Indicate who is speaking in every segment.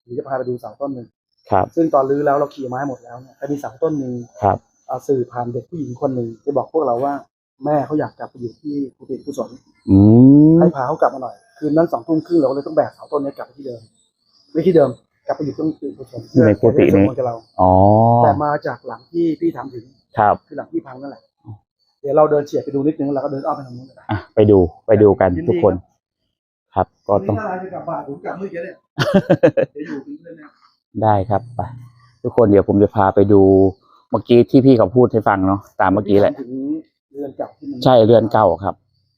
Speaker 1: เดี๋ยวจะพาไปดูเสาต้นหนึ่ง
Speaker 2: ครับ
Speaker 1: ซึ่งตอนรื้อแล้วเราขี่ไม้หมดแล้วเนี่ยแต่มีเสาต้นหนึ่ง
Speaker 2: ครับ
Speaker 1: สื่อผ่านเด็กผู้หญิงคนหนึ่งไปบอกพวกเราว่าแม่เขาอยากกลับไปอยู่ที่กุฏิกุศล ให้พาเขากลับมาหน่อยคืนนั้น2 ทุ่มครึ่งเราก็เลยต้องแบกเสาต้นนี้กลับไปที่เดิมไม่ที่เดิมกลับไปอยู่ตรงกุฏิกุศล
Speaker 2: ในกุฏินี้
Speaker 1: กับเรา
Speaker 2: อ๋อ
Speaker 1: แต่มาจากหลังที่พี่ถามถึง
Speaker 2: ครับ
Speaker 1: คือหลังที่พังนั่นแหละเดี๋ยวเราเดินเฉียดไปดูนิดนึงแล้วก็เดินอ้อมไปทางนู้นเลย
Speaker 2: อ่ะไปดูกันทุกคน ครับก็ต้อง
Speaker 1: ถ้าเราจะกลับบ้านผมกลับเมื่อกี้เนี่ยเดี๋ยวอยู่เป็นเพื่อนนะ
Speaker 2: ได้ครับไปทุกคนเดี๋ยวผมจะพาไปดูเมื่อกี้ที่พี่เขาพูดให้ฟังเนาะตามเมื่อกี้แหละ
Speaker 1: ถึงเรือนเก่าที่มัน
Speaker 2: ใช่เรือนเก่าครับ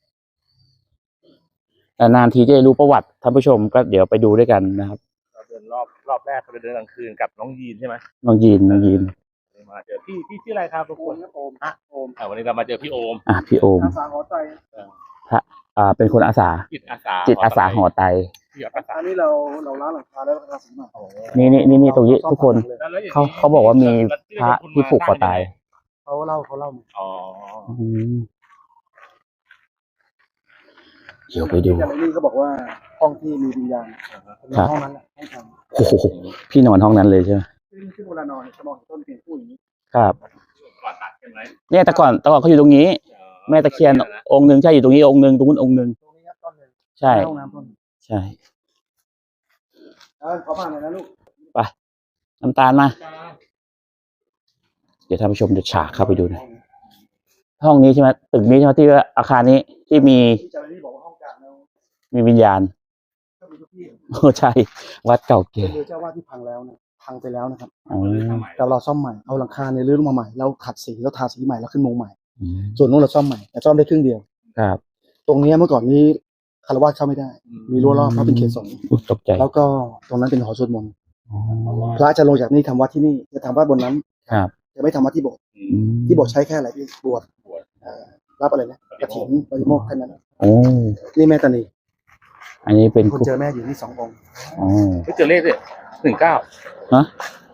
Speaker 2: นานทีจะได้รู้ประวัติท่านผู้ชมก็เดี๋ยวไปดูด้วยกันนะครับ
Speaker 3: เราเดินรอบแรกเราเดินกลางคืนกับน้องยีนใช่ไหม
Speaker 2: น้องยีน
Speaker 3: มาเจอพี่ชื่ออะไรครับทุกคน
Speaker 1: โอมโอม
Speaker 3: วันนี้เรามาเจอพี่โอม
Speaker 2: พี่โอม
Speaker 1: อาสาหัวใจ
Speaker 2: เป็นคนอาสา
Speaker 3: จิตอาสา
Speaker 2: จิตอาสาหอไต
Speaker 3: ที่อาสา
Speaker 1: อันนี้เราล้างหลังคาแล้วเราสีใหม่
Speaker 2: นี่ตรงนี้ทุกคนเขาบอกว่ามีพระที่ผูกคอตาย
Speaker 1: เขาเล่า
Speaker 3: อ๋อ
Speaker 2: เดี๋ยวไปดู
Speaker 1: ที่นี่เขาบอกว่าห้องที่มีวิญญาณเป็นห้องนั้นแหละห้องทำ
Speaker 2: โอ้โหพี่นอนห้องนั้นเลยใช่ไหม
Speaker 1: ซึ่งเวลานอนจะมองเห็นต้นเพียงผู้อย่างนี้
Speaker 2: ครับ
Speaker 3: ก่อนตัดใช่ไหม
Speaker 2: เนี่ยแต่ก่อนเขาอยู่ตรงนี้ แม่ตะเคียนองค์หนึ่งใช่อยู่ตรงนี้องค์หนึ่งตรงนู้นองค์หนึ่ง
Speaker 1: ตรงนี้ครับต้นหนึ่ง
Speaker 2: ใช่
Speaker 1: ห้องน้ำต้น
Speaker 2: ใช่
Speaker 1: ขอบ้านหน่อยนะลูก
Speaker 2: ไปน้ำตาลมา เดี๋ยวท่านผู้ชมจะฉากเข้าไปดูนะห้องนี้ใช่ไหมตึกนี้ใช่ไหมที่ว่าอาคารนี้ที่มี
Speaker 1: ที่เจ้าหน้าที่บอกว่าห้องกลางแล้ว
Speaker 2: มีวิญญาณ
Speaker 1: ก็มีทุกที่
Speaker 2: โอ้ใช่ วัดเก่า
Speaker 1: เป็
Speaker 2: แก่
Speaker 1: นเรือเจ้าว่าที่พังแล้วเนี่ยพังไปแล้วนะครับ
Speaker 2: อ๋อ
Speaker 1: แต่เราซ่อมใหม่เอาหลังคาในรื้อลงมาใหม่แล้วขัดสีแล้วทาสีใหม่แล้วขึ้นมุงใหม่
Speaker 2: อืม
Speaker 1: ส่วนนู้นเราซ่อมใหม่แต่ซ่อมได้ครึ่งเดียว
Speaker 2: ครับ
Speaker 1: ตรงนี้เมื่อก่อนนี้คารวะเข้าไม่ได้ มีรั้วรอบเพราะเป็นเขตสงฆ์
Speaker 2: อุ๊ยตกใจ
Speaker 1: แล้วก็ตรงนั้นเป็นหอสวดมนต์
Speaker 2: อ๋อ
Speaker 1: พระจะลงจากนี่ทำวัดที่นี่จะทำวัดบนนั้น
Speaker 2: ครับ
Speaker 1: จะไม่ทำวัดที่โบสถ์
Speaker 2: อืม
Speaker 1: ที่โบสถ์ใช้แค่อะไรพี่บวชรับอะไรนะกฐินปริโมกข์แค่นั้น
Speaker 2: โอ้
Speaker 1: นี่แม่ตานี
Speaker 2: อันนี้เป็น
Speaker 1: คนเจอแม่อยู่นี่2 องค์
Speaker 2: อ๋อ
Speaker 3: ไม่เจอเลขเลย19
Speaker 2: ฮะ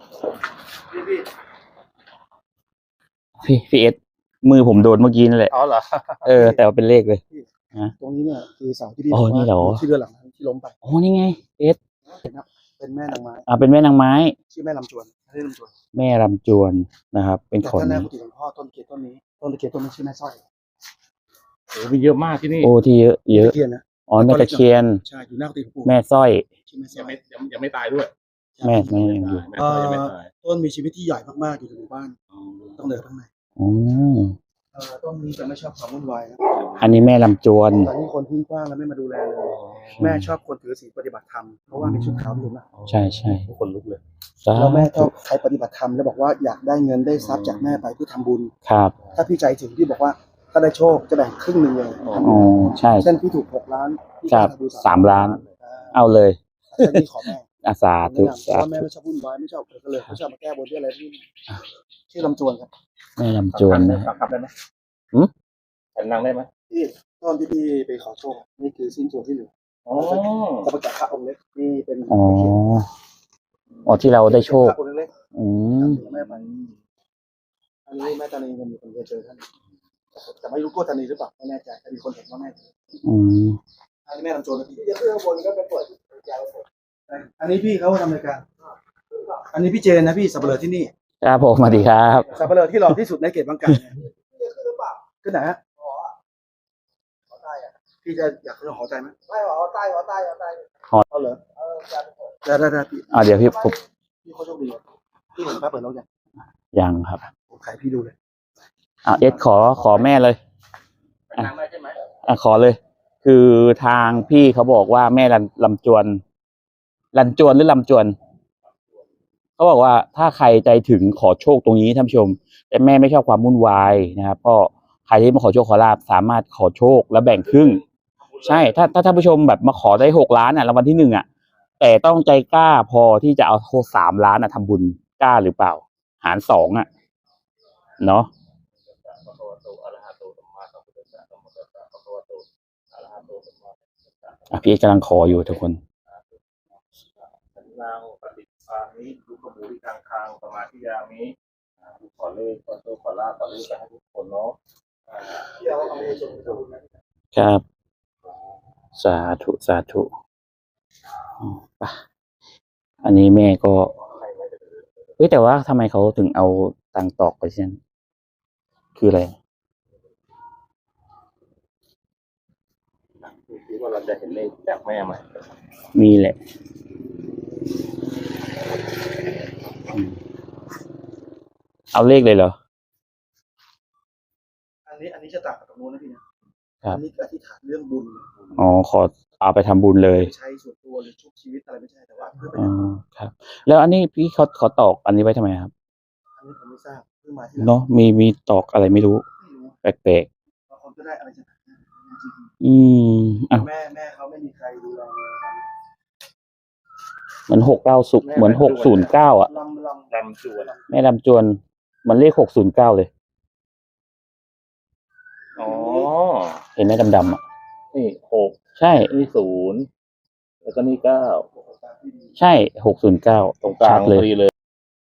Speaker 2: พี่เอสมือผมโดนเมื่อกี้นั่นแหละ
Speaker 3: อ๋อเหรอ
Speaker 2: แต่ว่าเป็นเลขเลย
Speaker 1: ตรงนี้เนี่ยคือเสาที่พี่
Speaker 2: อ๋อนี่เหรอ
Speaker 1: ที่เรือหลังนั้นที่ล้มไป
Speaker 2: โอ้นี่ไงเอส
Speaker 1: เป็นแม่นางไม้
Speaker 2: เป็นแม่นางไม้
Speaker 1: ชื่อแม่ลำจวนไม่ได้ลำจวน
Speaker 2: แม่รำจวนนะครับ เป็น
Speaker 1: แต่
Speaker 2: คน
Speaker 1: ท่านแรกกุฏิหลวงพ่อต้นตะเคียนต้นนี้ต้นตะเคียนต้นนี้ชื่อแม่สร้อย
Speaker 3: โอ้มีเยอะมากที่นี่
Speaker 2: โอ้ที่เยอะ
Speaker 1: ตะเคียนนะ
Speaker 2: อ๋อแม่ตะเคียน
Speaker 1: ใช่อยู่หน้ากุฏิหลวงปู่
Speaker 2: แม่สร้อย
Speaker 1: ชื่อแม่สร้
Speaker 3: ยั
Speaker 1: อง ย
Speaker 3: ไม่ตายด้วย
Speaker 2: แม่ยังอยู่
Speaker 3: แม่ยังไม่ตาย
Speaker 1: ต้นมีชีวิตที่ใหญ่มากๆอยู่ในหมู่บ้านต้องเดินข้างใน
Speaker 2: อ๋อ
Speaker 1: ต้นนี้จะไม่ชอบความวุ่นวายนะ
Speaker 2: อันนี้แม่ลำจวน
Speaker 1: ตอนนี้คนทิ้งกว้างแล้วไม่มาดูแลเลยแม่ชอบคนถือศีลปฏิบัติธรรมเพราะว่ามีชุดขาวที่เห็นไหม
Speaker 2: ใช่
Speaker 3: คนลุกเลย
Speaker 2: สา
Speaker 1: แล้วแม่ช
Speaker 2: ธุ
Speaker 1: อบใครปฏิบัติธรรมแล้วบอกว่าอยากได้เงินได้ทรัพย์จากแม่ไปเพื่อทำบุญ
Speaker 2: ครับ
Speaker 1: ถ้าพี่ใจถึงพี่บอกว่าถ้าได้โชคจะแบ่งครึ่งหนึ่งเลย
Speaker 2: อ๋อใช่
Speaker 1: เช่นพี่ถูก6 ล้านพี่
Speaker 2: ครับ
Speaker 1: จะทำบุญ
Speaker 2: 3 ล้าน เอาเลย
Speaker 1: เช่นพี่ขอแม่
Speaker 2: อาสา
Speaker 1: แนะ
Speaker 2: ธุ
Speaker 1: นำเพ
Speaker 2: สา
Speaker 1: ราะว่าแม่
Speaker 2: ธุ
Speaker 1: ไม่ชอบวุ่นวายไม่ชอบเกิดก็เลยไม่ชอบมาแก้บนด้วยอะไรที่ชื่อลำจวนครับ
Speaker 2: แม่ลำจวนนะ
Speaker 3: ทำได้ไหม
Speaker 2: หืม
Speaker 3: ฉันนั่งได้ไหม
Speaker 1: ที่ตอนที่พี่ไปขอโชคนี่คือสิ้นส่วนที่เหลือ
Speaker 3: อ๋อ
Speaker 1: จะประกาศพระองค์เล็กนี่เป็น
Speaker 2: อ๋ออ๋อที่เราได้โชค
Speaker 1: พระองค์เล็ก
Speaker 2: อืม
Speaker 1: แม่ไปอันนี้แม่ตานีมันมีคนเคยเจอท่านแต่ไม่รู้โกตานีหรือเปล่าไม่แน่ใจแต่มีคนเห็นว่าแม่เจอ
Speaker 2: อืม
Speaker 1: อันนี้แม่ลำจวนนะพี่จะขึ้นข้างบนก็ไปเปิดอันนี้พี่เขาทำรายการอันนี้พี่เจนนะพี่สับปะเลอที่นี่
Speaker 2: ครับผมสวัสดีครับ
Speaker 1: สับปะเลอที่หล่อที่สุดในเขตบางกะเนี่ยขึ้นไหนฮะพี่จะอยากขึ้นหอใจไหมไม่หอใต้เอาเหรอได้พี่
Speaker 2: เดี๋ยวพี่ผม
Speaker 1: พี่เขาโชคดีพี่เห็นป้าเปิดแล้วยัง
Speaker 2: ยังครับ
Speaker 1: ผมขายพี่ดูเลย
Speaker 2: เอสขอแม่เลย
Speaker 3: นั่งได้ใช่ไหม
Speaker 2: ขอเลย คือทางพี่เขาบอกว่าแม่ลำจวนหรือลำจวนเขาบอกว่าถ้าใครใจถึงขอโชคตรงนี้ท่านผู้ชม แต่แม่ไม่ชอบความวุ่นวายนะครับก็ใครที่มาขอโชคขอลาบสามารถขอโชคแล้วแบ่งครึ่ง ใช่ถ้าท่านผู้ชมแบบมาขอได้6 ล้านรางวัลที่1แต่ต้องใจกล้าพอที่จะเอา3 ล้านทำบุญกล้าหรือเปล่า หาร2เนาะพี่กำลังขออยู่ทุกคน
Speaker 3: นางปฏิภาณนี้ดูกระมูที่กลางคางสมาธิยานี้ขอเลขขอโชคขอลาภขอเลขไปให้ทุกคนเนาะ
Speaker 2: ครับสาธุไปอันนี้แม่ก็เฮ้ยแต่ว่าทำไมเขาถึงเอาตังตอกไปเช่นคืออะไร
Speaker 3: คิดว่าเราจะเห็นเลขจากแม่ไหม
Speaker 2: มีแหละเอาเลขเลยเหรอ
Speaker 1: อันนี้จะต่างกับตรงนู้นนะพี่นะครับ อันนี้อธิษฐานเรื่องบุญ
Speaker 2: อ๋อขอเอาไปทำบุญเลย
Speaker 1: ใช้ส่วนตัวหรือชุบชีวิตอะไรไม่ใช่แต่ว่าเพื่อไป
Speaker 2: อ๋อครับ แล้วอันนี้พี่เขาตอกอันนี้ไว้ทำไมครับ
Speaker 1: อันนี้ผมไม่ทราบเพิ่งมาที่หลัง
Speaker 2: เนาะมีตอกอะไรไม่รู้
Speaker 1: ไม่รู้
Speaker 2: แปลก
Speaker 1: บางคนก็ได้อะไรจากไหนจริง
Speaker 2: ๆอ่ะ
Speaker 1: ๆแม่เขาไม่มีใครดูแลเลย
Speaker 2: เหมือน690เหมือน609อ่ะ
Speaker 1: ลำ
Speaker 3: ลำจวน
Speaker 2: แม่ลำจวนมันเลข609เลย
Speaker 3: อ๋อ
Speaker 2: เห็นไหมดำๆอ่ะ
Speaker 3: นี่6
Speaker 2: ใช่
Speaker 3: นี่0แล้วก็นี่9
Speaker 2: ใช่609
Speaker 3: ตรงกลาง
Speaker 2: ชัดเลย
Speaker 3: พอดีเลย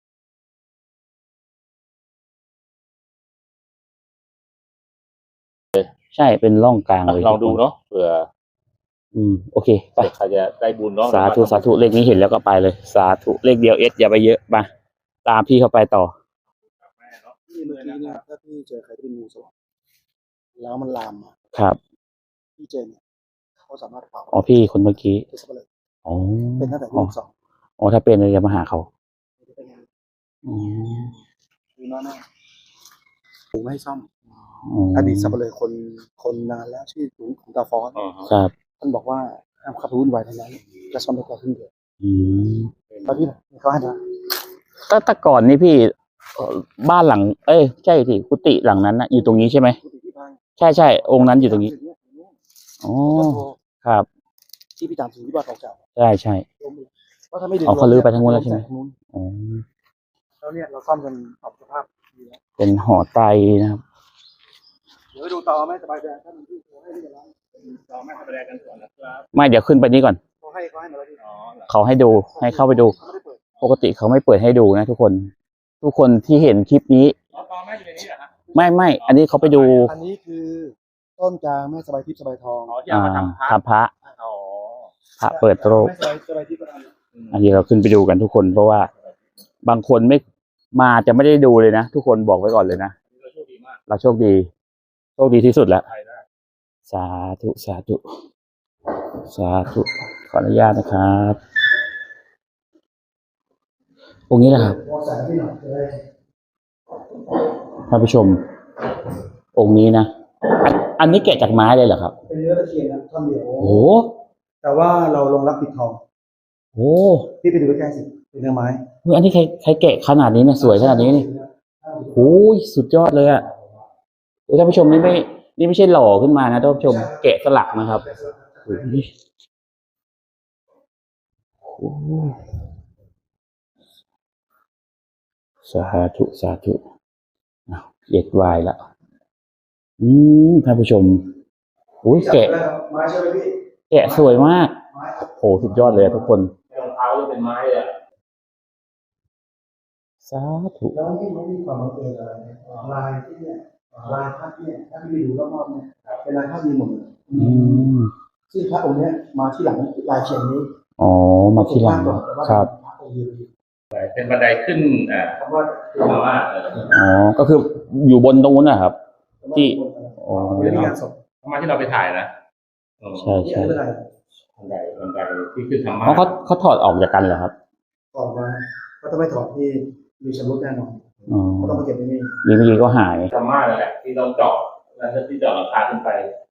Speaker 2: ใช่เป็นร่องกลางเลย
Speaker 3: ลองดูเนาะเผื่อ
Speaker 2: โอเคไป
Speaker 3: ใครจะได้บุญเนาะ
Speaker 2: สาธุเลขนี้เห็นแล้วก็ไปเลย สาธุเลขเดียวอย่าไปเยอะมาตามพี่เข้าไปต่อ
Speaker 1: ที่เมื่อกี้เนี่ยถ้าพี่เจอใครที่เป็นงูสวัสดแล้วมันลามมา
Speaker 2: ครับ
Speaker 1: พี่เจนเนี่ยเขาสามารถเป่า
Speaker 2: อ๋อพี่คนเมื่อกี้
Speaker 1: ที่สับเลย
Speaker 2: อ๋อ
Speaker 1: เป็นตั้งแต่ลูกสอง
Speaker 2: อ๋อถ้าเป็นเลยจะมาหาเขา
Speaker 1: เป็นไง
Speaker 2: อืม
Speaker 1: ดูน้าหน้าผมให้ซ่อม
Speaker 2: อ๋อ
Speaker 1: อดีตสับเลยคนนานแล้วชื่อถุงตาฟอน
Speaker 3: อ๋อ
Speaker 2: ครับ
Speaker 1: ท่านบอกว่าห้ามขับรุ่นไวทั้งนั้นจะซ่อมได้แค่ครึ่งเดียว
Speaker 2: อืม
Speaker 1: ตอนที่เขาให้มา
Speaker 2: แต่ก่อนนี่พี่บ้านหลัง เอ้ยใช่ที่กุฏิหลังนั้นนะอยู่ตรงนี้ใช่ไหม
Speaker 1: ที่บ้าน
Speaker 2: ใช่องค์นั้นอยู่ตรงนี้อ๋อครับ
Speaker 1: ที่พี่ตามถึงที่บ้านเก่า
Speaker 2: ใช่
Speaker 1: ๆล้มเลยเพราะถ้าไม่ดึง
Speaker 2: อ๋อเขาลื้อไปทั้งนู้นแล้วใช่ไหม อ๋อ
Speaker 1: แล้วเนี่ยเราซ่อมกันปรับสภาพดีแล้ว
Speaker 2: เป็นหอไตรนะครับ
Speaker 1: เดี๋ยวไปดูต่อไหมสบายใจถ้ามันที่เขาให้นี่กันแล้ว
Speaker 3: เราไม่ทำอะไรกันก่อนนะครับ
Speaker 2: ไม่เดี๋ยวขึ้นไปนี้ก่อน
Speaker 1: เขาให้มาแล้วที่
Speaker 3: อ๋อเหรอ
Speaker 2: เขาให้ดูให้เข้าไปดู
Speaker 1: เขาไม่ได้เปิด
Speaker 2: ปกติเขาไม่เปิดให้ดูนะทุกคนที่เห็นคลิปนี้
Speaker 3: อ๋อตอนแม่อยู่ในนี้เหรอฮะ
Speaker 2: ไม่อันนี้เขาไปดู
Speaker 1: อันนี้คือต้นกลางแม่สบายทิพย์สบายทอง
Speaker 3: อ๋อที่เอามาทำพระ
Speaker 2: ทำพระ
Speaker 3: อ๋อ
Speaker 2: พระเปิดโลก
Speaker 1: แม่สบายทิพย์ก็ทำ
Speaker 2: อันนี้เราขึ้นไปดูกันทุกคนเพราะว่าบางคนไม่มาจะไม่ได้ดูเลยนะทุกคนบอกไว้ก่อนเลยนะ
Speaker 3: เราโชคดีมาก
Speaker 2: เราโชคดีที่สุดแล้ว
Speaker 3: ใครได้
Speaker 2: สาธุขออนุญาตนะครับองค์นี้นะครับ
Speaker 1: พอแสงที่หน่อยจะได้
Speaker 2: ท่านผู้ชม องค์นี้นะอันนี้แกะจากไม้เลยเหรอครับ
Speaker 1: เป็นเนื้อตะเคียนนะท่อนเดียว
Speaker 2: โอ้
Speaker 1: แต่ว่าเราลงรักปิดทอง
Speaker 2: โห
Speaker 1: พี่ไปดูใกล้ๆสิเป็นเนื้อไม้
Speaker 2: เฮ้ยอันนี้ใครแกะขนาดนี้เนี่ยสวยขนาดนี้นี่โอ้ยสุดยอดเลยอะโอ้ยท่านผู้ชมนี่ไม่ใช่หล่อขึ้นมานะท่านผู้ชมแกะสลักนะครับโอ้ยโอ้ยสาธุอ้าวเย็ดวายละท่านผู้ชมโอ้ยแกะ
Speaker 1: ไม้ใช่ไหมพี่
Speaker 2: แกะสวยมาก
Speaker 1: ไม้ครับ
Speaker 2: โหสุดยอดเลยอะทุกคน
Speaker 3: รองเท้าจะเป็นไม้เลยอะ
Speaker 2: สาธุ
Speaker 1: แล้วนี่มันมีความบังเอิญอะไรเนี่ยลายที่เนี่ยลายภาพเนี่ยถ้าพี่ดูรอบๆเนี่ยเป็นลายภาพดีหมดเลย ซึ่งพระองค์เนี้ยมาที่หลังลายเขียนนี้
Speaker 2: อ๋อมาที่หลังครับ
Speaker 1: พระองค์ยืน
Speaker 3: เป็นบันไดขึ้น
Speaker 1: คำว่า
Speaker 3: มาว่า
Speaker 2: อ๋อก็คืออยู่บนตรงนู้นนะครับ ที่ อ๋อ
Speaker 1: เรื่องงานศพ
Speaker 3: มาที่เราไปถ่ายนะ
Speaker 2: ใช่
Speaker 1: นี่อะไร
Speaker 3: บันไดที่ขึ้นธรรมะ
Speaker 2: เพราะเขาถอดออกจากกันเหรอครับ
Speaker 1: ถอดมาก็ถ้าไม่ถอดที่มีชำรุดแน่นอน
Speaker 2: อ๋อ
Speaker 1: ก็ต้องมาเก็บที่นี่
Speaker 2: นี่เมื่อกี้ก็หาย
Speaker 3: ธรรมะนั่นแหละที่เราเจาะแล้วที่เจาะหลังคาขึ้นไป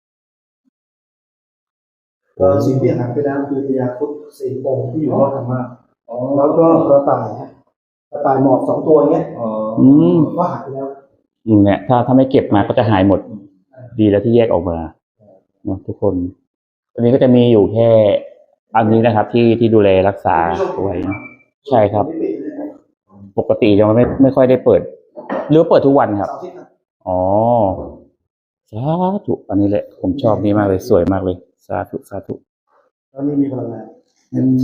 Speaker 1: สิ่งที่หายไปแล้วคือพญาครุฑสี่องค์ที่อยู่รอบธรรมะแล้วก็กระต่ายฮะกระต่ายหมอบสองตัวเงี้ย
Speaker 2: อืม
Speaker 1: ก็หายไปแล้ว
Speaker 2: เนี่ยถ้าไม่เก็บมาก็จะหายหมด ดีแล้วที่แยกออกมาเนาะทุกคนตอนนี้ก็จะมีอยู่แค่อันนี้นะครับ ที่ดูแลรักษาเอาไว้นะใช่ครับ ปกติจะไม่ค่อยได้เปิด หรือเปิดทุกวันครับ
Speaker 1: เสาร์อาทิตย์นะ
Speaker 2: อ๋อสาธุอันนี้แหละผมชอบนี้มากเลยสวยมากเลยสาธุ
Speaker 1: แล้วนี่มีพลังงาน
Speaker 2: อืม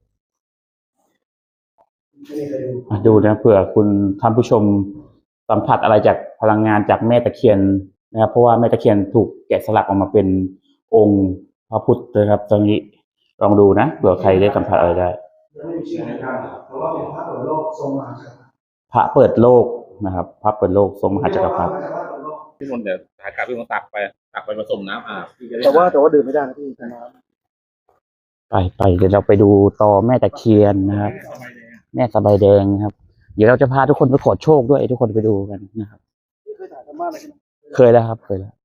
Speaker 1: ไม่มีใครดู
Speaker 2: ดูนะเผื่อคุณท่านผู้ชมสัมผัสอะไรจากพลังงานจากแม่ตะเคียนนะครับ เพราะว่าแม่ตะเคียนถูกแกะสลักออกมาเป็นองค์พระพุทธนะครับ ตรงนี้ลองดูนะเผื่อใครได้สัมผัสอะไรได้
Speaker 1: ไม่มีชื่อในการเพราะว่าเป็นพระเปิดโลกทรงมหาจักรพรรดิ
Speaker 2: พระเปิดโลกนะครับ พระเปิดโลกทรงมหาจักรพรรดิ
Speaker 3: พี่มนต์เดี๋ยวหากลับพี่มนต์ตักไปผสมน้ำอาบพี่จะได้
Speaker 1: แต่ว่าดื่มไม่ได้นะพี่เป็นน้ำ
Speaker 2: ไปเดี๋ยวเราไปดูต่อแม่ตะเคียนนะครับ แม่สบายแดงนะครับ เดี๋ยวเราจะพาทุกคนไปขอโชคด้วยทุกคนไปดูกันนะครับ
Speaker 1: พี่เคยถ่ายธรรมะอะไรใช่ไหม
Speaker 2: เคยแล้วครับเคยแล้ว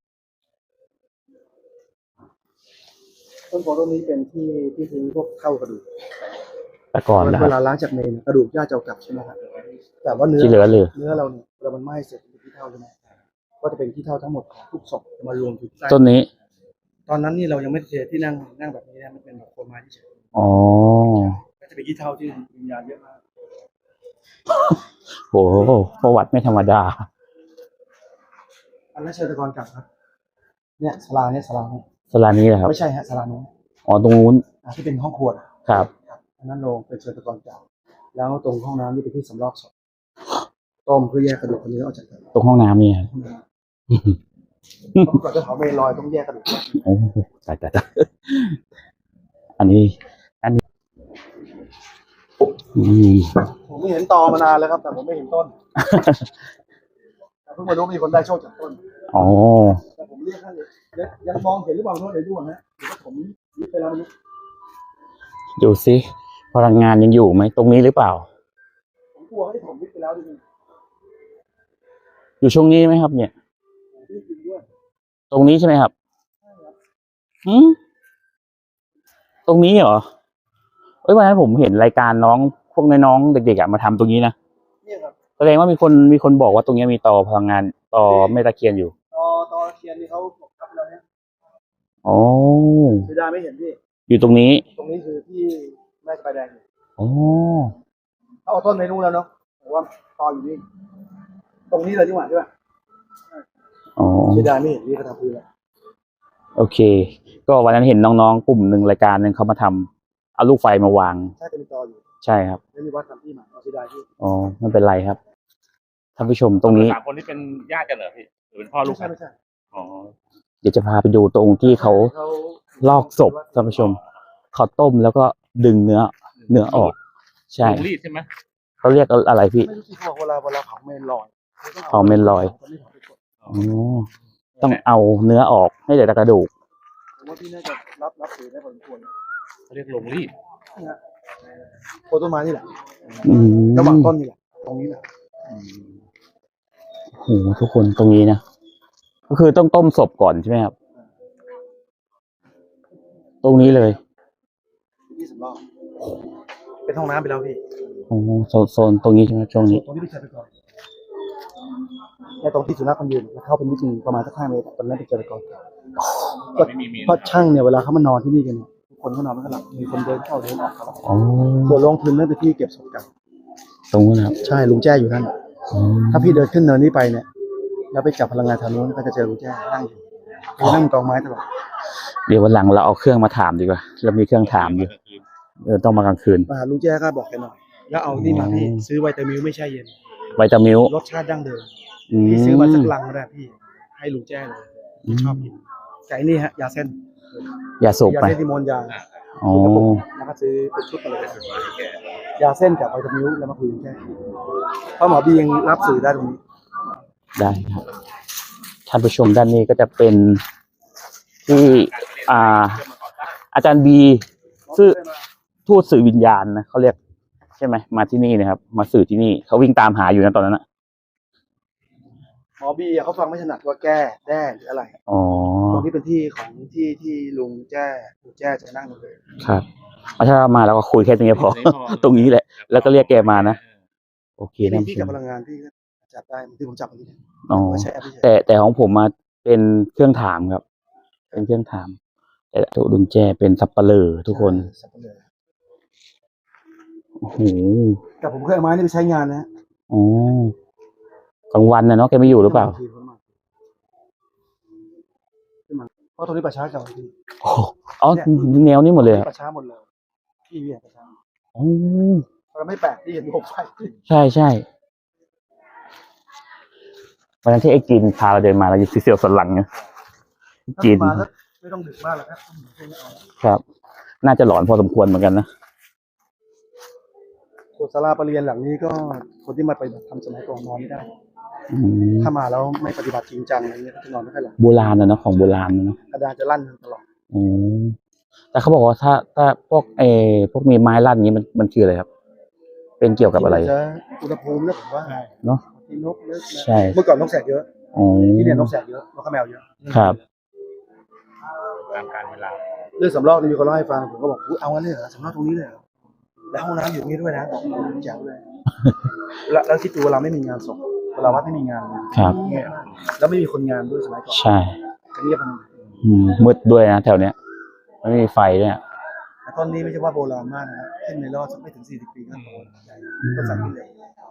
Speaker 1: ต้นโพต้นนี้เป็นที่ทิ้งพวกเท่ากระดูก
Speaker 2: แต่ก่อนนะค
Speaker 1: เว
Speaker 2: รับ
Speaker 1: ลาล้างจากเมนกระดูกญาติจะเอากลับใช่ไหมครับแต่ว่าเนื้อ
Speaker 2: ที่เหลือเลย
Speaker 1: เนื้อเราเนี่ยเรามันไหม้เสร็จเป็นขี้เท่าใช่ไหมก็จะเป็นขี้เท่าทั้งหมดของทุกศพจะมารวมอยู่ใต้
Speaker 2: ต้นนี้
Speaker 1: ตอนนั้นนี่เรายังไม่เจอที่นั่งแบบนี้นะมันเป็นแบบโคไม้ที่เฉย
Speaker 2: อ๋อ
Speaker 1: ก็จะเป็นขี้เท่าที่วิญญาณเยอะมาก
Speaker 2: โหประวัติไม่ธรรมดา
Speaker 1: อันนั้นเชิญตะกอนกลับครับเนี่ยศาลาเนี่ย
Speaker 2: สลานี้แหละครับ
Speaker 1: ไม่ใช่ฮะศาลานู้น
Speaker 2: อ๋อตรงนู้น
Speaker 1: ที่เป็นห้องครัวน่ะ
Speaker 2: ครับ
Speaker 1: อันนั้นโรงเป็นเชิญตะกอนกลับแล้วตรงห้องน้ำนี่เป็นที่สำรอกศพต้มเพื่อแยกกระดูกคนนี้ออกจากกัน
Speaker 2: ตรงห้องน้ำนี่ครับ
Speaker 1: ก่อนจะเผาเมนลอยต้องแยกกระดูก
Speaker 2: โอ้ตายอันนี้อืม
Speaker 1: ผมไม่เห็นตอมานานแล้วครับ แต่ผมไม่เห็นต้นแต่เพิ่งมารู้มีคนได้โชคจากต้น
Speaker 2: อ๋อ
Speaker 1: แต่ผมเรียกท่านยังมองเห็นหรือเปล่าโทษเดี๋ยวดูก่อนนะเดี๋ยวผมยึดไปแล้วมัน
Speaker 2: ดูสิพลังงานยังอยู่ไหมตรงนี้หรือเปล่า
Speaker 1: ผมกลัวให้ผมยึดไปแล้วดิ
Speaker 2: อยู่ช่วงนี้ไหมครับ เนี่ย
Speaker 1: ยึดจริงด้วย
Speaker 2: ตรงนี้ใช่ไหมครับอืมตรงนี้เหรอเอ้ยวันนั้นผมเห็นรายการน้องพวกน้องๆเด็กๆอะมาทำตรงนี้นะ
Speaker 1: เนี่ยครับ
Speaker 2: แสดงว่ามีคนบอกว่าตรงนี้มีต่อพลังงานต่อแม่ตะเคียนอยู่
Speaker 1: ตอเทียนนี่เขาทำแล้วเนี่ย
Speaker 2: อ๋อ
Speaker 1: เสียดายไม่เห็นพี่
Speaker 2: อยู่ตรงนี้
Speaker 1: ตรงนี้คือที่แม่สบายแดงอยู่
Speaker 2: อ๋อ
Speaker 1: เขาเอาต้นในนู้นแล้วเนาะผมว่าตออยู่นี่ตรงนี้เลยดีกว่าใช่ป่ะ
Speaker 2: อ๋อ
Speaker 1: เสียดายไม่เห็นพี่เขาทำพื้นแล้ว
Speaker 2: โอเค ก็วันนั้นเห็นน้องๆกลุ่มหนึ่งรายการหนึ่งเขามาทำเอาลูกไฟมาวาง
Speaker 1: ใช่จะมีตออยู่
Speaker 2: ใช่ครับ
Speaker 1: ไม่มีวัดทำที่ใหม่เสียดายพี่
Speaker 2: อ๋อไม่เป็นไรครับท่านผู้ชมตรงนี้
Speaker 3: 3 คนที่เป็นญาติกันเหรอพี่หรือเป็นพ่อลูกกัน
Speaker 1: ไม่ใช่
Speaker 3: อ๋อ
Speaker 2: เดี๋ยวจะพาไปดูตรงที่เขาลอกศพท่านผู้ชมเขาต้มแล้วก็ดึงเนื้อออก ใช่
Speaker 3: ลงรีดใช่ไหม
Speaker 2: เขาเรียกอะไรพี่
Speaker 1: ไม่รู้ที่เขาบอกเวลาเผาเมนลอย
Speaker 2: เผาเมนลอย อ๋อต้องเอาเนื้อออกให้เหลือแต่กระดูก
Speaker 1: ผมว่าพี่น่าจะรับถือได้พอสมควร
Speaker 3: เขาเรียกลงรีด
Speaker 1: โคนต้นไม้นี่แหละ
Speaker 2: อืม
Speaker 1: ระหว่างต้นนี่แหละตรงนี้แหละ
Speaker 2: โหทุกคนตรงนี้นะก็คือต้องต้มศพก่อนใช่ไหมครับ ตรงนี้เลย
Speaker 1: ที่สำรองเป็นห้องน้ำไปแล้วพี่
Speaker 2: โอ้โซนตรงนี้ใช่ไหมช่วงนี้
Speaker 1: ตรงนี้ไปใช้ไปก่อนในตรงที่สุนัขมันยืนแล้วเข้าเป็นนิดนึงประมาณสัก5 เมตรตอนนั้นไปเจอไปก่อน
Speaker 3: ไม่มีเมน
Speaker 1: เพราะช่างเนี่ยเวลาเขามานอนที่นี่กันเนี่ยทุกคนเขานอนไม่หลับมีคนเดินเข้าเดินออกตลอด
Speaker 2: อ๋อ
Speaker 1: ส่วนโรงพื้นนั่นเป็นที่เก็บศพกัน
Speaker 2: ตรงนู้นนะครับ
Speaker 1: ใช่ลุงแจ้อยู่นั่น
Speaker 2: อ๋อ
Speaker 1: ถ้าพี่เดินขึ้นเนินนี้ไปเนี่ยแล้วไปจับพลังงานทางนู้นก็จะเจอลุงแจ้นั่งอยู่เขานั่งกองไม้ตลอด
Speaker 2: เดี๋ยววันหลังเราเอาเครื่องมาถามดีกว่าเรามีเครื่องถามอยู่ต้องมากลางคืน
Speaker 1: มาหาลุงแจ้ก็บอกแกหน่อยแล้วเอานี่มาพี่
Speaker 2: อ๋อ
Speaker 1: ซื้อไวตามิลไม่ใช่เย็น
Speaker 2: ไวตามิล
Speaker 1: รสชาติดั้งเดิม
Speaker 2: อืม
Speaker 1: พี่ซื้อมาสักลังก็ได้พี่ให้ลุงแจ้เลยพี่ชอบกินไก่นี่ฮะยาเส้น
Speaker 2: อย่าสูบ
Speaker 1: ยา
Speaker 2: ไป
Speaker 1: เส้นที่มนต์ยา
Speaker 2: อ๋อ
Speaker 1: แล้วก็ซื้อเป็นชุดมาเลยยาเส้นกับไวตามิลแล้วมาคุยกันแค่เพราะหมอบียังรับสื่อได้ตรงนี้
Speaker 2: ได้ครับท่านผู้ชมด้านนี้ก็จะเป็นที่อาจารย์บีสื่อทูตสื่อวิญญาณนะเขาเรียกใช่ไหมมาที่นี่นะครับ มาสื่อที่นี่เขาวิ่งตามหาอยู่นะตอนนั้นนะ
Speaker 1: หมอบีอะเขาฟังไม่ถนัดว่าแก้แด้หรืออะไร
Speaker 2: อ๋อ
Speaker 1: ตรงนี้เป็นที่ของที่ลุงแจ้จะนั่งเลย
Speaker 2: ครับถ้ามาแล้วก็คุยแค่ตรงนี้พอ ตรงนี้แหละ แล้วก็เรียกแกมานะโอเค
Speaker 1: ที่
Speaker 2: นะ
Speaker 1: พี่กับพลังงานพี่ก็จับได้ที่ผมจับเมื่อกี้เนี่ย
Speaker 2: อ๋อ
Speaker 1: ว่าใช้แอปพลิเคชัน
Speaker 2: แต่ของผมมาเป็นเครื่องถามครับ เป็นเครื่องถาม แต่ตัวดุนแจเป็นสับปะเลอทุกคน
Speaker 1: สับปะเลอ
Speaker 2: โอ้โห
Speaker 1: แต่ผมเคยเอาไม้นี่ไปใช้งานนะ
Speaker 2: อ๋อกลางวันนะเนาะแกไม่อยู่หรือเปล่า
Speaker 1: เพราะตรงนี้ประชาเก่าจริง
Speaker 2: โอ้โหอ๋อแนวนี้หมดเลยอะ
Speaker 1: ประชาหมดเลยพี่เนี่ยประชา
Speaker 2: อ๋อ
Speaker 1: เราไม่แปลกที่เห็นผมไฟ
Speaker 2: ใช่ใช่วันนั้นที่ไอ้กินพาเราเดินมาเราอยู่เสียวสันหลังเนี่ยกิน
Speaker 1: มาแล้วไม่ต้องดึกมากหรอกครับ
Speaker 2: ครับ น่าจะหลอนพอสมควรเหมือนกันนะ
Speaker 1: ส่วนศาลาประเรียนหลังนี้ก็คนที่มาปฏิบัติธรรมสมัยก่อนนอนไม่ได้
Speaker 2: อืม
Speaker 1: ถ้ามาแล้วไม่ปฏิบัติจริงจังอะไรเงี้ยก็จะนอนไม่ค่อยหลับ
Speaker 2: โบราณนะเนาะของโบราณนะเนาะ
Speaker 1: อาจารย์จะลั่นตลอด
Speaker 2: อืมแต่เขาบอกว่าถ้าพวกพวกมีไม้ลั่นอย่างนี้มันคืออะไรครับ เป็นเกี่ยวกับอะไร
Speaker 1: จะอุณหภูมินะผมว่า
Speaker 2: เนาะ
Speaker 1: ที่นกเยอะนะ
Speaker 2: ใช่
Speaker 1: เมื่อก่อนนกแสกเยอะ
Speaker 2: อ๋อ
Speaker 1: ที่เนี่ยนกแสกเยอะนกข้าวแมวเยอะ
Speaker 2: ครับ
Speaker 3: ตามการเวลา
Speaker 1: เรื่องสำรอกนี่มีคนเล่าให้ฟังผมก็บอกอุ๊ยเอางั้นเลยเหรอสำรอกตรงนี้เลยเหรอแล้วห้องน้ำอยู่ตรงนี้ด้วยนะบอกแจ๋วเลย แล้วคิดดูเวลาไม่มีงานศพเวลาวัดไม่มีงาน
Speaker 2: ครับ
Speaker 1: เงียบแล้วไม่มีคนงานด้วยสมัยก่อน
Speaker 2: ใช่
Speaker 1: ก็เงียบมัน
Speaker 2: มืดด้วยนะแถวเนี้ยไม่มีไฟด้วยอะ
Speaker 1: แต่ต้นนี้ไม่ใช่ว่าโบราณมากนะครับขึ้นในรอบสักไม่ถึง40 ปีก็โตต้นสักนี่เลย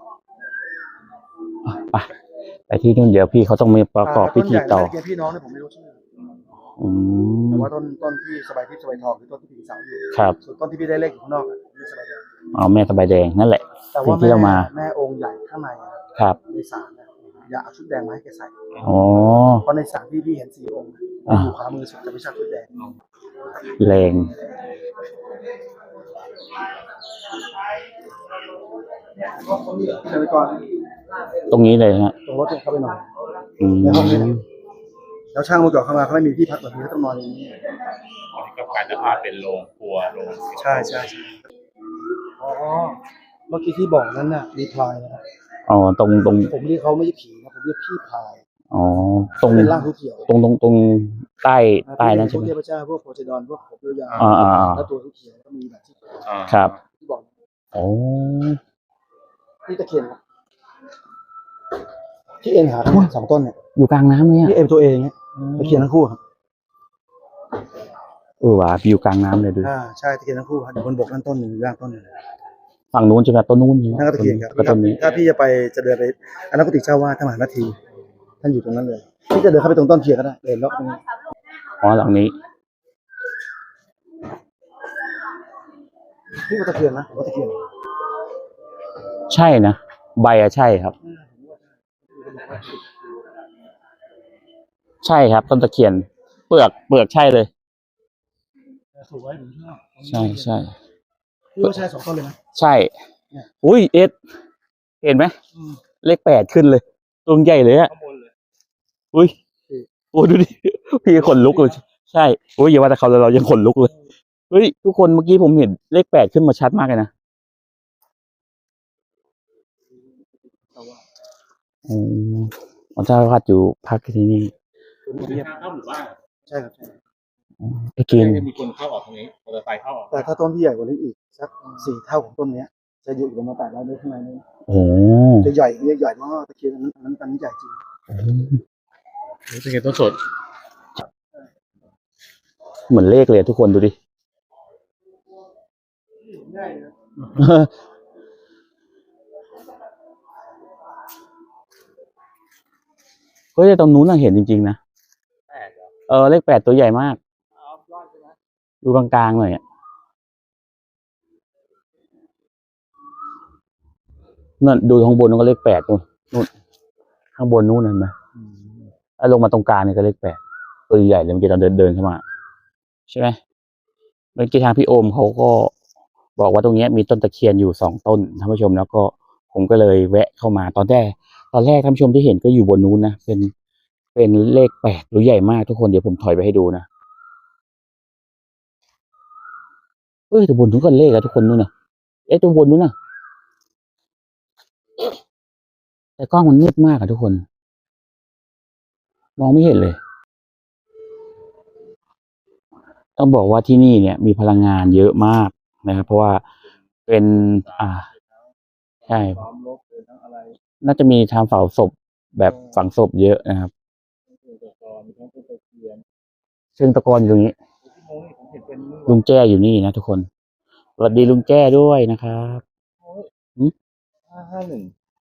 Speaker 2: ไปที่นู่นเดี๋ยวพี่เขาต้องมีประกอบพิธีต่อ
Speaker 1: ต้นใหญ่นะเมื่อกี้พี่น้องเนี่ยผมไม่รู้ชื่อ
Speaker 2: อืม
Speaker 1: แต่ว่าต้นที่สบายทิพย์สบายทองคือต้นที่ผีสาวอยู่
Speaker 2: ครับ
Speaker 1: ส่วนต้นที่พี่ได้เลขอยู่ข้างนอกอ่ะเรียกสบายแดง
Speaker 2: อ๋อแม่สบายแดงนั่นแหละ
Speaker 1: แต่ว่า
Speaker 2: ที่เรามา
Speaker 1: แม่องค์ใหญ่ข้างในอะ
Speaker 2: ครับ
Speaker 1: ในศาลเนี่ยอย่าเอาชุดแดงมาให้แกใส่
Speaker 2: อ๋อ
Speaker 1: เพราะในศาลที่พี่เห็น4 องค์
Speaker 2: อ่า
Speaker 1: อยู่ขวามือสุดจะไม่ใช่ชุดแดง
Speaker 2: แรง
Speaker 1: เดินไปก่อน
Speaker 2: ตรงนี้เลยฮะ
Speaker 1: ตรงรถเนี่ยเข้าไปนอน
Speaker 2: อืม
Speaker 1: ในห้องนี้นะ แล้วช่างเมื่อก่อนเข้ามาเขาไม่มีที่พักแบบนี้เขาต้องนอนอย่างนี้
Speaker 3: อันนี้ก็กลายจะพาเป็นโรงครัวโรง
Speaker 1: ใช่อ๋อเมื่อกี้ที่บอกนั้นน่ะมีพลายนะครับ
Speaker 2: อ๋อตรง
Speaker 1: ผมเรียกเขาไม่ใช่ผีนะผมเรียกพี่พลาย
Speaker 2: อ๋อตรง
Speaker 1: เป็นร่างเขียว
Speaker 2: ตรงใต้นั้น
Speaker 1: พ
Speaker 2: ใช่
Speaker 1: ว
Speaker 2: ไห
Speaker 1: ก
Speaker 2: ม
Speaker 1: เทพเจ้าพวกโพไซดอนพวกผมยาว
Speaker 2: อ่า
Speaker 1: แล้วตัวเขียวก็มีแบบที่
Speaker 2: ครับ
Speaker 1: ที่บอก
Speaker 2: โอ้
Speaker 1: นี่ตะเคียนครับที่เอ็นหาทั้งหมด2 ต้นเนี่ย
Speaker 2: อยู่กลางน้ำเลย
Speaker 1: ที่
Speaker 2: อ่ะ
Speaker 1: เอ็นตัวเองเนี่ยตะเคียนทั้งคู่ครับ
Speaker 2: ว่ะอยู่กลางน้ำเลยดู
Speaker 1: ใช่ตะเคียนทั้งคู่ครับอยู่บนบกนั่นต้นหนึ่งอยู่ล่างต้นหนึ่ง
Speaker 2: ฝั่งนู้นใช่ไหมต้นนู้นใช่ไหม
Speaker 1: นั่นก็ตะเคียนครับ
Speaker 2: ก็ต้นนี้
Speaker 1: ถ้าพี่จะเดินไปอันนั้นกุฏิเจ้าวาดท่านมหานาทีท่านอยู่ตรงนั้นเลยพี่จะเดินเข้าไปตรงต้นเคียนก็ได้เดินเลาะตรงนี้
Speaker 2: อ๋อหลังนี้
Speaker 1: พี่ว่าตะเคียนนะผมว่าตะเคียน
Speaker 2: ใช่นะใบอะใช่ครับ ใช่ครับต้นตะเคียน เปลือกใช่เลย
Speaker 1: ถูกไว้ผมชอบ
Speaker 2: ใช่
Speaker 1: พี่ว่าใช่2 ต้นเลยนะ
Speaker 2: ใช่ อุ้ยเอ็ดเห็นไหมเลข8ขึ้นเลยตัวใหญ่เลยอะ
Speaker 3: ข้างบนเลย
Speaker 2: อุ้ยโอ้ดูดิ พี่ขนลุกเลยใช่โอ้ยอย่าว่าแต่เขาเลยเรายังขนลุกเลยเฮ้ยทุกคนเมื่อกี้ผมเห็นเลข8ขึ้นมาชัดมากเลยนะอ๋อเจ้าอาวาสอยู่พักที่นี่
Speaker 1: เงียบ
Speaker 3: ทางเข้าหมู่บ้าน
Speaker 1: ใช่ครับใช่
Speaker 2: ไอ้กิน
Speaker 3: จะมีคนเข้าออกทางนี้มอเตอร์ไซค์เข้าออก
Speaker 1: แต่ถ้าต้นที่ใหญ่กว่านี้อีกสัก4 เท่าของต้นเนี้ย จะอยู่ประมาณ800 เมตรข้างในนี้
Speaker 2: โอ้
Speaker 1: จะใหญ่ใหญ่มากตะเคียนอันนั้นใหญ่จริง
Speaker 3: เป็นไงต้นสด
Speaker 2: เหมือนเลขเลยทุกคนดูดิ
Speaker 1: ง่ายนะ
Speaker 2: เฮ้ยแต่ตรงนู้นน่ะเห็นจริงๆนะ เลข8ตัวใหญ่มาก อยู่กลางๆหน่อยอ่ะนั่นดูข้างบนนู้นก็เลข8นู่นข้างบนนู้นเห็นไหมแล้วลงมาตรงกลางนี่ก็เลข8ตัวใหญ่เลยเมื่อกี้ตอนเดินเข้ามา ใช่ไหมเมื่อกี้ทางพี่โอมเขาก็บอกว่าตรงเนี้ยมีต้นตะเคียนอยู่2 ต้นท่านผู้ชมแล้วก็ผมก็เลยแวะเข้ามาตอนแรกท่านผู้ชมที่เห็นก็อยู่บนนู้นนะเป็นเลข8ตัวใหญ่มากทุกคนเดี๋ยวผมถอยไปให้ดูนะแต่บนนู้นก็เลขแล้วทุกคนนู้นน่ะตรงบนนู้นน่ะแต่กล้องมันมืดมากอะทุกคน มองไม่เห็นเลย ต้องบอกว่าที่นี่เนี่ยมีพลังงานเยอะมากนะครับเพราะว่าเป็นใช่
Speaker 1: ล้อมลบหรือทั้งอะไร
Speaker 2: น่าจะมีทางเผาศพแบบฝังศพเยอะนะครับ
Speaker 1: มีทั้งต้นตะเคียน
Speaker 2: เชิงตะกอนอยู่ตรงนี้
Speaker 1: ที่โมนี่ผมเห็นเป็น
Speaker 2: ลุงแจ้อยู่นี่นะทุกคนสวัสดีลุงแจ้ด้วยนะครับ
Speaker 3: 551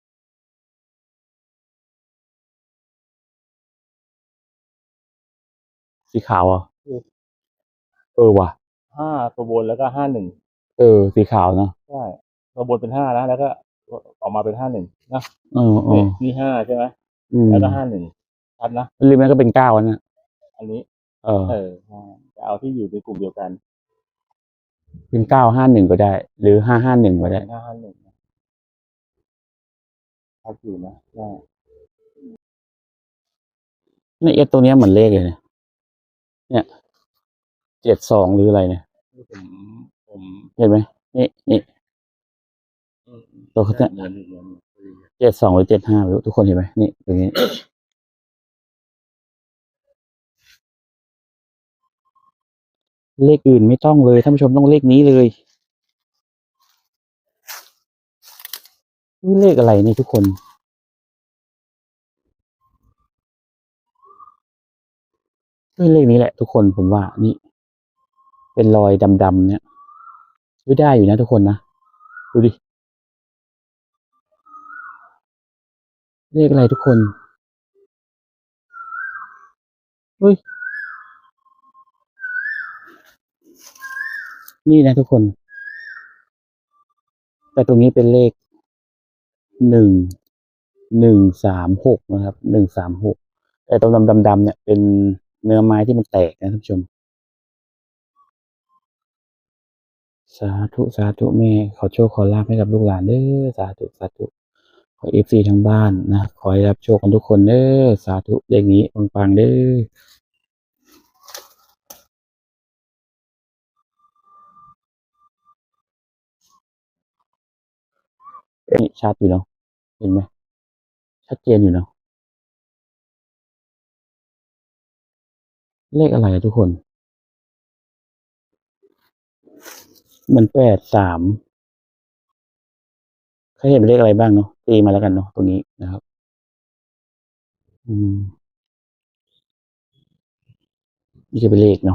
Speaker 2: สีขาวอ่ะว่ะ
Speaker 3: 5ตัวบนแล้วก็51
Speaker 2: สีขาวเนาะ
Speaker 3: ใช่ตัวบนเป็น5นะแล้วก็ออกมาเป็น51นะ นี่5ใช่ไหมแล้วก็51ชัดนะ
Speaker 2: ริมนั้นก็เป็น9นะ
Speaker 3: อันนี้ จะเอาที่อยู่ในกลุ่มเดียวกัน
Speaker 2: เป็น951ก็ได้ หรือ551ก็ได้
Speaker 3: 551 ชัดอยู่นะได้
Speaker 2: ในเอสตัวเนี้ยเหมือนเลขเลยเนี่ย72หรืออะไรเนี่ย
Speaker 3: ผม
Speaker 2: เห็นไหมนี่ตัวเขาเนี่ย
Speaker 3: เหมือน
Speaker 2: 72หรือ75ไม่รู้ทุกคนเห็นไหมนี่ตรงนี้ เลขอื่นไม่ต้องเลยท่านผู้ชมต้องเลขนี้เลยนี่เลขอะไรนี่ทุกคนนี่เลขนี้แหละทุกคนผมว่านี่เป็นรอยดำๆเนี่ยไม่ได้อยู่นะทุกคนนะดูดิเลขอะไรทุกคนเฮ้ยนี่นะทุกคนแต่ตรงนี้เป็นเลข136นะครับ136แต่ตรงดำๆเนี่ยเป็นเนื้อไม้ที่มันแตกนะท่านผู้ชมสาธุสาธุแม่ขอโชคขอลาภให้กับลูกหลานเด้อสาธุสาธุขอFCทั้งบ้านนะขอให้รับโชคกันทุกคนเด้อสาธุเลขนี้ปังๆเด้อนี่ชัดอยู่เนาะเห็นไหมชัดเจนอยู่เนาะเลขอะไรอะทุกคนเหมือน83ใครเห็นเป็นเลขอะไรบ้างเนาะตีมาแล้วกันเนาะตรงนี้นะครับนี่จะเป็นเลขเนาะ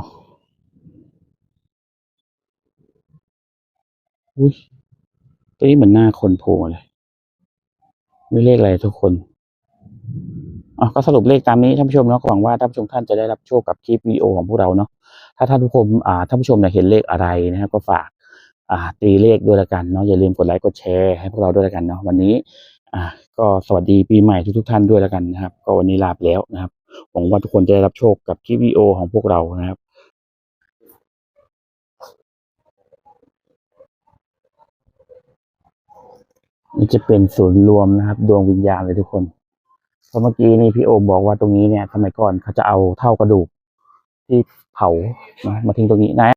Speaker 2: อุ้ยตัวนี้เหมือนหน้าคนโผล่มาเลยไม่เลขอะไรทุกคนก็สรุปเลขตามนี้ท่านผู้ชมเนาะหวังว่าท่านผู้ชมท่านจะได้รับโชคกับคลิปวิดีโอของพวกเราเนาะถ้าท่านผู้ชมท่านผู้ชมเนี่ยเห็นเลขอะไรนะครับก็ฝากตีเลขด้วยละกันเนาะอย่าลืมกดไลค์กดแชร์ให้พวกเราด้วยละกันเนาะวันนี้ก็สวัสดีปีใหม่ทุกท่านด้วยละกันนะครับก็วันนี้ลาไปแล้วนะครับหวังว่าทุกคนจะได้รับโชคกับคลิปวิดีโอของพวกเรานะครับนี่จะเป็นศูนย์รวมนะครับดวงวิญญาณเลยทุกคนเพราะเมื่อกี้นี่พี่โอมบอกว่าตรงนี้เนี่ยสมัยก่อนเขาจะเอาเท่ากระดูกที่เผามาทิ้งตรงนี้นะ